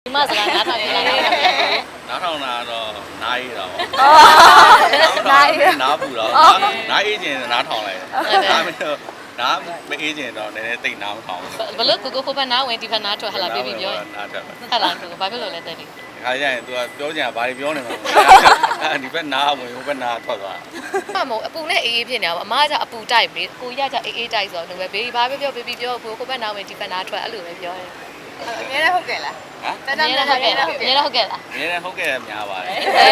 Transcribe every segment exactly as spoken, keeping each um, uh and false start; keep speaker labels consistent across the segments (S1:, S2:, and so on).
S1: ဒီမှာစကားနားထောင်နေတာလည်း
S2: နားထောင်တာတော့နားအေးတာပေါ့
S3: နားအေး
S2: နားပူတော့နားအေးခြင်းနားထောင်လိုက်နားမတော့နားမအေးခြင်းတော့နည်းနည်းတိတ်နားမထောင်
S1: ဘလို့ကိုကိုဖိုးဖက်နားဝင်ဒီဖက်နားထွက်ဟလာပြေးပြီးပြော
S2: နားထွက်
S1: ဟလာကိုဘာဖြစ်လို့လဲတဲ့ဒီ
S2: ခါကျရင် तू ကပြောကြရင်ဘာတွေပြောနေမှာအဲဒီဘက်နားဝင်ဟိုဘက်နားထွက်သွား
S1: မမအပူနဲ့အေးအေးဖြစ်နေတာပေါ့အမားကအပူတိုက်ပြီကိုရကြအေးအေးတိုက်ဆိုတော့ဘေးဘာပဲပြောဘေးပြီးပြောကိုကိုဖက်နားဝင်ဒီဖက်နားထွက်အဲ့လိုပဲပြောတယ်
S3: အငယ်နဲ့ဟုတ်ကဲ့လား
S2: ဟမ်
S1: တန်းတန်းဟုတ်ကဲ့လားဟုတ်ကဲ့လားဟုတ်ကဲ့လား
S2: နည်းနည်းဟုတ်ကဲ့များပါတယ်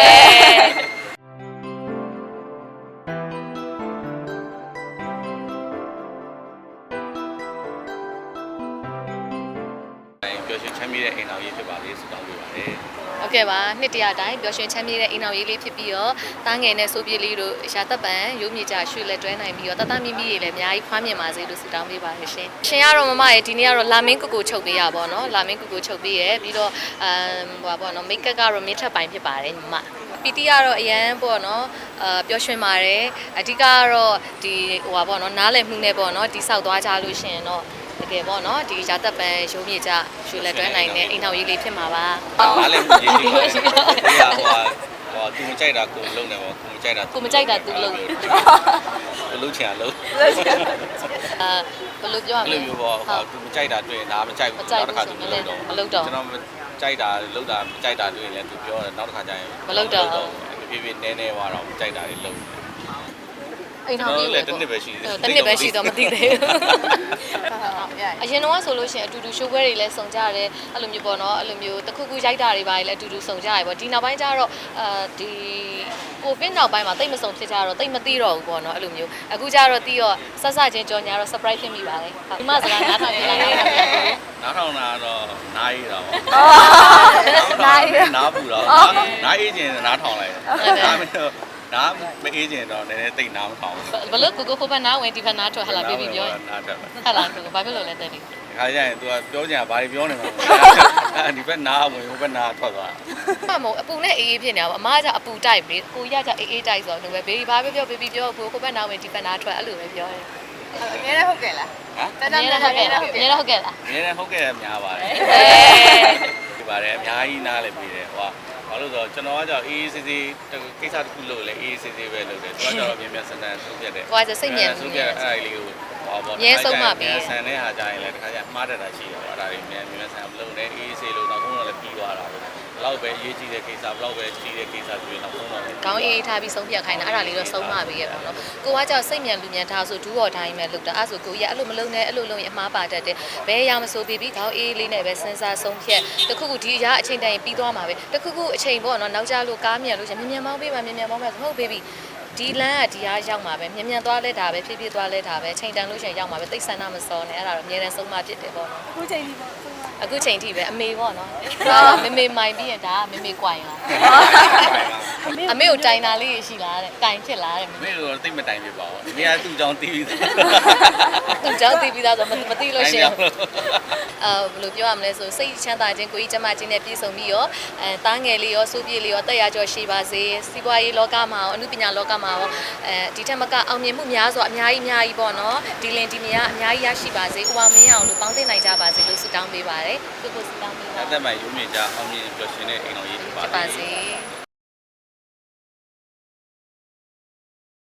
S2: ပျော်ရွှင်ချမ်းမြေ့တဲ့အိမ်တော်ကြီးဖြစ်ပါလေဆုတောင်းပေးပါတယ်
S1: ဟုတ်ကဲ့ပါနှစ်တရအတိုင်းပျော်ရွှင်ချမ်းမြေ့တဲ့အိမ်တော်ရေးလေးဖြစ်ပြီးတော့တားငယ်နဲ့ဆိုးပြေးလေးတို့ရှာသက်ပံရုပ်မြေကြရွှေလက်တွဲနိုင်ပြီးတော့တတမီမီရေလည်းအများကြီးဖွားမြင်ပါစေလို့ဆုတောင်းပေးပါရရှင်ရှင်ကတော့မမရေဒီနေ့ကတော့လာမင်းကိုကိုချုပ်ပေးရပါတော့လာမင်းကိုကိုချုပ်ပေးရပြီးတော့အမ်ဟိုပါပေါ့နော်မိတ်ကပ်ကတော့မင်းထက်ပိုင်းဖြစ်ပါတယ်ညီမပီတီကတော့အရန်ပေါ့နော်အာပျော်ရွှင်ပါတယ်အဓိကကတော့ဒီဟိုပါပေါ့နော်နားလည်မှုနဲ့ပေါ့နော်ဒီဆောက်သွားကြလို့ရှင်တော့တကယ်ပေါ့နော်ဒီရာသက်ပံရုံးမြေကြရွှေလက်တွဲနိုင်တဲ့အိမ်တော်ရေးလေးဖြစ်မှာပါ
S2: အားလည်းကြည့်ကြည့်ပါဟိုဟိုဟိုသူမကြိုက်တာကိုလုံးနေပေါ့ကိုမကြိုက်တာ
S1: ကိုမကြိုက်တာသူလုံး
S2: ကိုလုံးချင်အောင်လုံး
S1: အာဘယ်လိုပြောရမ
S2: အဲ့
S1: လဲ
S2: လိုမျိုးပေါ့ဟိုသူမကြိုက်တာတွေ့ရင်ဒါမကြိုက်ဘူးနောက်တစ်ခါသူမလုပ်တော့
S1: မလုပ်တော့
S2: ကျွန်တော်မကြိုက်တာလုံးတာမကြိုက်တာတွေ့ရင်လည်းသူပြောတယ်နောက်တစ်ခါကျရင်ဖြည်းဖြည်းနည်းနည်းသွားတော့ကြိုက်တာတွေလုံး
S1: အိမ်ထောင်ကြီး
S2: လည်းတစ်နှစ်ပဲရှိသေးတယ်
S1: တစ်နှစ်ပဲရှိတော့မသိသေးဘူး
S3: ဟုတ်ရရ
S1: အရင်တော့ဆိုလို့ရှိရင်အတူတူရှိုးပွဲတွေလည်းစုံကြရတယ်အဲ့လိုမျိုးပေါ့နော်အဲ့လိုမျိုးတစ်ခုခုရိုက်တာတွေပါလည်းအတူတူစုံကြရပေါ့ဒီနောက်ပိုင်းကျတော့အာဒီကိုဗစ်နောက်ပိုင်းမှာတိတ်မစုံဖြစ်ကြတော့တိတ်မသိတော့ဘူးပေါ့နော်အဲ့လိုမျိုးအခုကျတော့တီးတော့ဆက်ဆက်ချင်းကြော်ညာတော့ surprise ဖြစ်မိပါတယ်ဒီမှာစကားနားထောင်နေတာလည်း
S2: နားထောင်တာတော့နားအေးတာပေါ့
S3: နားအေး
S2: နားပူတော့နားအေးခြင်းနားထောင်လိုက်နားမတော့နားမအေးခြင်းတော့နည်းနည်းတိတ်နားမထောင်
S1: ဘလို့ကိုကိုဖိုးဖက်နားဝင်ဒီဖက်နားထွက်ဟလာပြေးပြီးပြော
S2: နားထွက်
S1: ဟလာကိုဘာဖြစ်လို့လဲတဲ့ဒီ
S2: ခါကျရင် तू ကပြောကြရင်ဘာတွေပြောနေမှာအဲဒီဘက်နားဝင်ဟိုဘက်နားထွက်သွား
S1: မမအပူနဲ့အေးအေးဖြစ်နေတာပေါ့အမားကအပူတိုက်ပြီကိုရကြအေးအေးတိုက်ဆိုတော့ဘေးဘာပဲပြောဘေးပြီးပြောကိုကိုဖက်နားဝင်ဒီဖက်နားထွက်အဲ့လိုပဲပြောတယ်
S3: အငယ်နဲ့ဟုတ်ကဲ့လား
S2: ဟမ်
S3: တန်းတန်းဟုတ်ကဲ့လား
S1: နည်းတော့ဟုတ်ကဲ့လား
S2: နည်းနည်းဟုတ်ကဲ့များပါတယ်ဒီပါတယ်အများကြီးနားလည်းပြီးတယ်ဟိုဘာလို့ဆိုတော့ကျွန်တော်ကကြောင့်အေးအေးဆေးဆေးကိစ္စတစ်ခုလုပ်လဲအေးအေးဆေးဆေးပဲလုပ်တယ်သူကကြောင့်မြန်မြန်ဆန်ဆန်ဆုံးဖြတ်တယ်
S1: ကိုကစိတ်မြန်
S2: ဆုံးဖြတ်အဲ့လေးကိုဟောပေါ့ဆန်တဲ့ဟာကြရင်လည်းတခါကျမှားတတ်တာရှိတယ်ပေါ့အဲ့ဒါတွေမြန်မြန်ဆန်လုပ်နေအေးအေးဆေးလို့နောက်ဆုံးတော့လည်းပြီးသွားတာပဲဘလောက်ပဲအရေးကြီးတဲ့ကိစ္စဘလောက်ပဲကြီးတဲ့ကိစ္စဆိုရင်နောက်ဆုံးတော့
S1: ခေါင်းအေးအေးထားပြီးဆုံးဖြတ်ခိုင်းတာအဲ့ဒါလေးတော့ဆုံးမပေးရပါတော့ကိုကကြောင့်စိတ်မြန်လူမြန်ထားဆိုဒူးတော်တိုင်းပဲလုပ်တာအဲ့ဆိုကိုကြီးအဲ့လိုမလုပ်နဲ့အဲ့လိုလုပ်ရင်အမှားပါတတ်တယ်ဘယ်အရာမဆိုပြီးပြီးခေါင်းအေးလေးနဲ့ပဲစဉ်းစားဆုံးဖြတ်တခုခုဒီအရာအချိန်တိုင်းပြီးသွားမှာပဲတခုခုအချိန်ပေါ့နော်နောက်ကျလို့ကားမြန်လို့ရှင်မြန်မြန်မောင်းပေးပါမြန်မြန်မောင်းပါဟုတ်ဘေဘီဒီလမ်းကဒီအားရောက်မှာပဲမြန်မြန်သွားလဲတာပဲဖြည်းဖြည်းသွားလဲတာပဲချိန်တန်လို့ရှင်ရောက်မှာပဲတိတ်ဆန္ဒမစောနဲ့အဲ့ဒါတော့အများနဲ့ဆုံးမဖြစ်တယ်ပေါ့နော်
S3: ခုချိန်ဒီပေါ့
S1: အခုချိန်ထိပဲအမေပေါ့နော်မေမေမိုင်ပြီးရင်ဒါကမေမေကွိုင်လားအမေကိုတိုင်တာလေးရှိလားတဲ့တိုင်ဖြစ်လားတဲ့
S2: မင်းတို့တိတ်မတိုင်ပြပါဘူး။ဒီကသူ့ကြောင့်တီးပြီးသား
S1: သူကြောင့်တီးပြီးသားဆိုမသိလို့ရှိရင်အာဘယ်လိုပြောရမလဲဆိုစိတ်ချမ်းသာခြင်းကိုကြီးကျမခြင်းနဲ့ပြည့်စုံပြီးရောအဲတားငယ်လေးရောစိုးပြေးလေးရောတက်ရကြောရှိပါစေစီးပွားရေးလောကမှာရောအမှုပညာလောကမှာရောအဲဒီထက်မကအောင်မြင်မှုများစွာအများကြီးအများကြီးပေါ့နော်ဒီလင်ဒီမယားအများကြီးရရှိပါစေဥပမင်းအောင်လို့ပေါင်းသိနိုင်ကြပါစေလို့ဆုတောင်းပေးပါတယ်ကိုကိုဆုတောင်းပေးပါ
S2: ။အသက်မှရုံးမြင့်ကြအောင်မြင်ပျော်ရွှင်တဲ့အိမ်တော်ကြီးဖြစ်ပါ
S1: ဖြစ်ပါ
S2: စေ
S1: စေ